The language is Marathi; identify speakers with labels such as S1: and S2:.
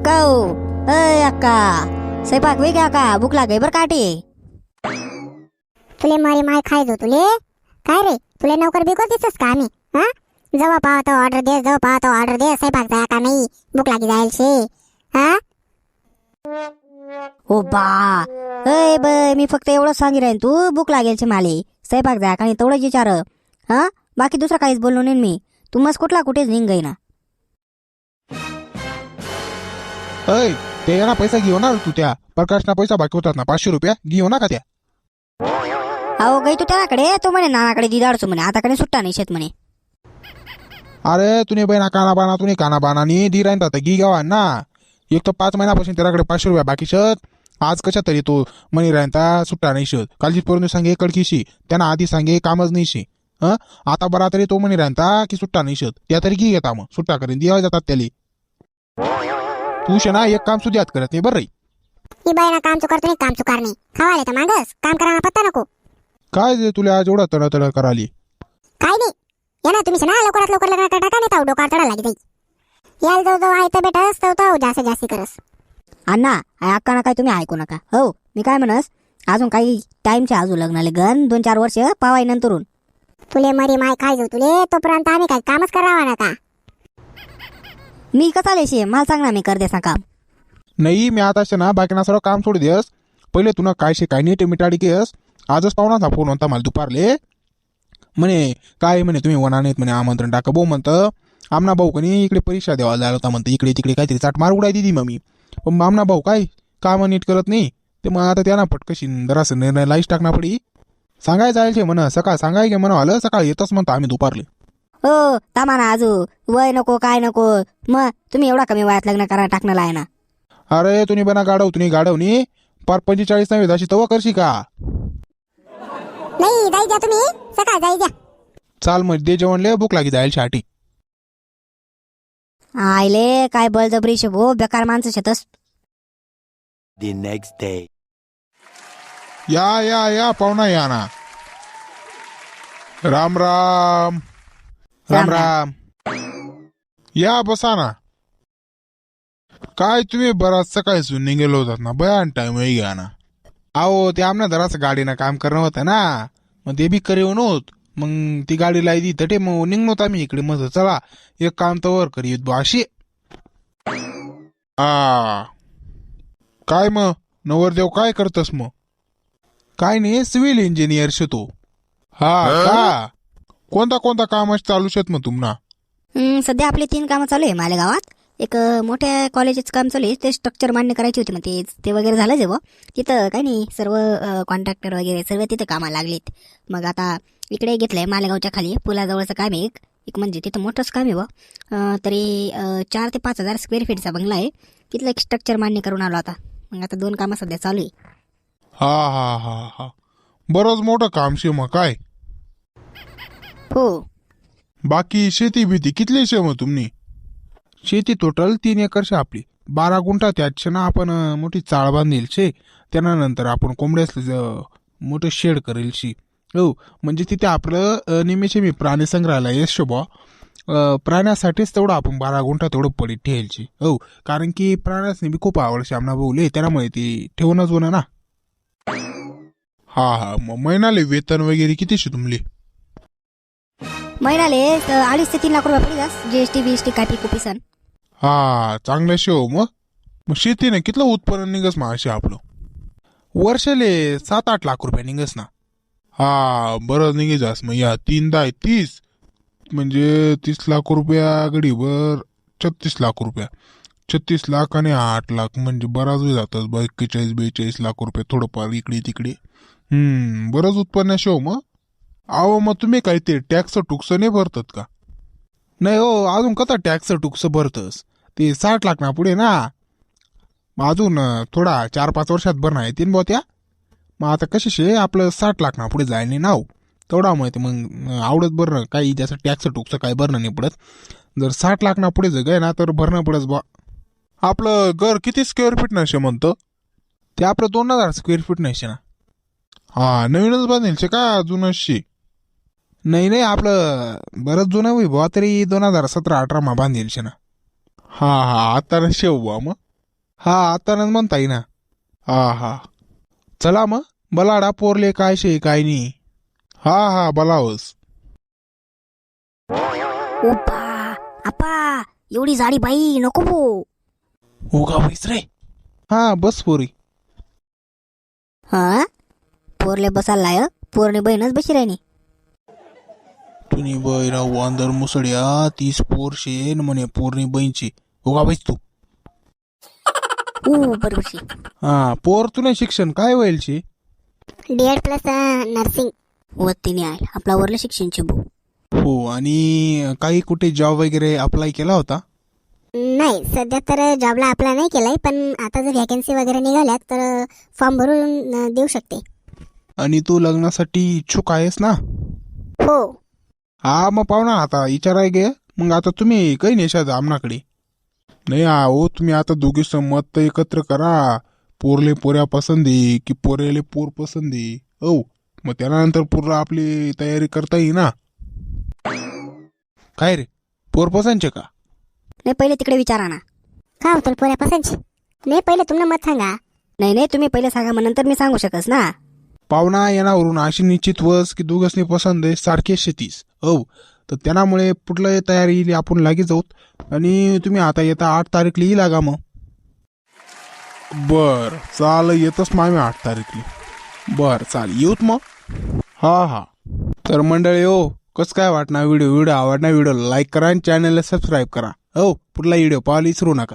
S1: अक्का हो. अय अक्का, स्वयंपाक वेगळा का? भूक लागे बर काटे.
S2: तुले मारी माय खायचो तुले. काय रे तुले नोकर बिको दिसस का आम्ही? हा, जेव्हा पाहतो ऑर्डर दे, जेव्हा पाहतो ऑर्डर दे. स्वयंपाक जाया का नाही? भूक लागी जाईल शे. हा
S1: हो बा. अय बय, मी फक्त एवढंच सांगी राहीन, तू भूक लागेल छे माले. स्वयंपाक जाय का नाही तेवढंच विचार. हा, बाकी दुसरं काहीच बोललो नाही मी. तू मस्त कुठला कुठेच निघ ना.
S3: अय, ते ना पैसा घेऊ ना तू. त्या प्रकाशना पैसा बाकी होतात ना, 500 रुपया घेऊ ना का त्या.
S1: अहो गई तू त्याकडे, तो म्हणे नानाकडे दिदाडचो म्हणे, आताकडे सुट्टा नाही शेत म्हणे.
S3: अरे तुने बहिणा काना बाना नी दी राहता तर गी गावा ना. एक तर 5 महिन्यापासून त्याकडे 500 रुपया बाकी शत. आज कशा तरी तो मनी राहता सुट्टा नाही शत. कालची पोरून सांगे कडकीशी, त्यांना आधी सांगे कामच नाही शे. आता बरा तरी तो मनी राहता की सुट्टा नाही शत. त्या तरी घी घेता मग सुट्टा करीन दिवा जातात त्याली. तू शे ना एक काम सुद्धा याद करत नाही बरं.
S2: ही बाईना काम चुकार नाही, काम चुकार नाही. खावाले तर मागस, काम करायला पत्ता नको.
S3: काय जे तुला आज एवढा तडतड कराली?
S2: काय नाही या ना तुम्ही ना लवकरात लवकर लग्न टाका नाही तर डोकार चढा लागी जाई. याल जाऊ जाऊ आहे तर बेटास तो जास्त जास्ती करस.
S1: अण्णा अक्का ना काय तुम्ही ऐकू नका. हो मी काय म्हणस, अजून काही टाइमच्या अजून लग्नाले गण 2-4 वर्ष पावाई नंतरून.
S2: तुले मरी माय खायचो तुले, तोपर्यंत आम्ही काय कामच करावा ना का?
S1: मी कसा लेशी मला सांग ना, मी कर देसा काम.
S3: नाही मी आता ना बाकीना सर्व काम सोड देस. पहिले तुला काय शे काय नीट मिटाडी केस. आजच पाहुणाचा फोन होता मला दुपारले. म्हणे काय म्हणे तुम्ही वना नाहीत म्हणे, आमंत्रण टाका. भाऊ म्हणतं आमना भाऊ कनी इकडे परीक्षा द्यावा जायला होता म्हणतं. इकडे तिकडे काहीतरी चाट मार उडाय दिली मग मी. पण आमना भाऊ काय काम नीट करत नाही. ते मग आता त्यांना पटकशी जरासं निर्णय लाईच टाकणार पडी. सांगाय जायचे म्हणा सकाळ सांगाय गे म्हणा आलं सकाळ येतच म्हणतो आम्ही दुपारले.
S1: हो तामा ना आजू वय नको काय नको. मग तुम्ही एवढा कमी वयात लग्न करा टाकणार आहे ना.
S3: अरे तुम्ही बना गाडवनी पार 45 नव्हे अशी तवा करशी का?
S2: नाही जाई द्या तुम्ही, सकाळ जाई द्या.
S3: चाल मग दे जेवणले, भूक लागी जाईल शाटी.
S1: आयले काय बळजबरी शे भो, बेकार माणसं शेतस.
S4: The next day.
S3: या पाहुणा या ना. राम राम राम राम. या बसा ना. काय तुम्ही बराच सकाळी निघेलो होतात ना, बयान टाइम घ्या ना. अहो ते आमना जरासं गाडीनं काम करणं होतं ना, मग ते बी करीव नव्हत. मग ती गाडी लायदी तटे मग निघणोत आम्ही इकडे. मग चला एक काम तर वर करीत बा अशी. काय मग नवरदेव काय करतस मग? काय नाही सिव्हिल इंजिनियर शे तो. का कोणता काम चालू शेत मग तुम्हाला?
S1: सध्या आपले 3 कामं चालू आहे मालेगावात. एक मोठ्या कॉलेजचं काम चालू आहे, ते स्ट्रक्चर मान्य करायची होती. मग ते वगैरे झालं जे तिथं काही नाही, सर्व कॉन्ट्रॅक्टर वगैरे सर्व तिथं कामाला लागलेत. मग आता इकडे घेतलंय मालेगावच्या खाली पुलाजवळचं काम आहे एक म्हणजे तिथं मोठंच काम आहे तरी 4 ते 5 हजार स्क्वेअर फीटचा बंगला आहे. तिथलं एक स्ट्रक्चर मान्य करून आलो आता. मग आता 2 कामं सध्या चालू आहे.
S3: हा बरंच मोठं काम शे मग काय.
S1: हो.
S3: बाकी शेती भीती कितली शे मग तुम्ही? शेती टोटल 3 एकर शे आपली. 12 गुंठा त्यात ना आपण मोठी चाळ बांधेल शे. त्यानंतर आपण कोंबड्यास मोठं शेड करेल शी. हो म्हणजे तिथे आपलं निमेषे मी प्राणी संग्रहालय शोभा. प्राण्यासाठीच तेवढं आपण 12 गुंठा तेवढं पडीत ठेवायची. हो कारण की प्राण्यासनी बी खूप आवड श्यामना भाऊले, त्यामुळे ती ठेवूनच होणं ना. हा मग महिनाले वेतन वगैरे किती शे तुमले?
S1: महिन्याले 2.5 ते 3 लाख रुपये पडी जास, GST BST कापी कुपी सन.
S3: चांगलं शे हो. मग शेतीने कितलं उत्पन्न निघस मग असे आपलं? वर्षाले 7-8 लाख रुपये निघस ना. बरं निघे जास मग. या 3-10-30 म्हणजे 30 लाख रुपया गडीवर 36 लाख रुपया. 36 लाख आणि 8 लाख म्हणजे बराच वेळ जातात. 41-42 लाख रुपये थोडंफार इकडे तिकडे. बरंच उत्पन्न शो मग. अहो मग तुम्ही काय ते टॅक्स टुक्स नाही भरतात का? नाही हो अजून कसा टॅक्स टुक्स भरतस? ते 60 लाख ना पुढे ना. मग अजून थोडा 4-5 वर्षात भरणं येतील बा त्या. मग आता कशी शे आपलं 60 लाख ना पुढे जायला नाही नाव तेवढा माहिती. मग आवडत भरणं काही जसं टॅक्स टुक्स काही भरणं नाही पडत. जर 60 लाख ना पुढे जगाय ना तर भरणं पडत बा. आपलं घर किती स्क्वेअर फीट नसे म्हणतं? ते आपलं 2000 स्क्वेअर फीट नसे ना. नवीनच बांधेल शे का जुनच शे? नाही आपलं बरंच जुनं होई बुवा, तरी 2017-18 मा बांधेल शे ना. आता नशे बुवा. मग हा आता म्हणता येईना. हा चला मग बलाडा पोरले काय शे काय नाही. हा बलावस.
S1: ओपा आपा एवढी जाडी बाई नको भो.
S3: हो का बैस रे. हा बस पोरी.
S1: हा पोरले बसायला लाय पोरने बहीणच बशी राहिनी.
S3: तुनी बैरा वांदर मुसड्या 30 पोर शे न म्हणे पोरनी बहीणची. हो का बैस तू.
S1: बरोबर शे.
S3: हा पोर तुने शिक्षण काय होईल शे.
S2: D.Ed plus nursing.
S1: वतीने आहे आपला वरले शिक्षणचे भो.
S3: हो आणि काही कुठे जॉब वगैरे अप्लाय केला होता.
S2: नाही सध्या तर जॉबला अप्लाय नाही केलाय, पण आता जर व्हॅकन्सी वगैरे निघाल्यात तर फॉर्म भरून देऊ शकते.
S3: आणि तू लग्नासाठी इच्छुक आहेस ना.
S2: हो.
S3: हा मग पाहुणा आता विचाराय गे. मग आता तुम्ही काही नेशात आमनाकडे नाही. हो तुम्ही आता दोघीच मत एकत्र करा. पोरले पोऱ्या पसंदी की पोरेले पोर पसंदी. हो मग त्यानंतर पूर्ण आपली तयारी करता येईल ना. काय रे पोर पसंतचे का.
S1: नाही पहिले तिकडे विचारा ना.
S2: का होतं पोऱ्या पसंतची. नाही पहिले तुम्हाला मत सांगा.
S1: नाही तुम्ही पहिले सांगा मग नंतर मी सांगू शकस ना.
S3: पाहुणा येण्यावरून अशी निश्चित वस की दोघसनी पसंत आहे सारखे शेतीस. हो तर त्यामुळे पुढलं तयारी आपण लागे जाऊत. आणि तुम्ही आता येता 8 तारीखला येईल लागा मग. बर चाल येतच मग आम्ही 8 तारीखला. बर चाल येऊत मग. हा तर मंडळी हो कसं काय वाटणार व्हिडिओ आवडणार व्हिडिओ लाईक करा आणि चॅनलला सबस्क्राईब करा. हो पुढला व्हिडिओ पाहायला विसरू नका.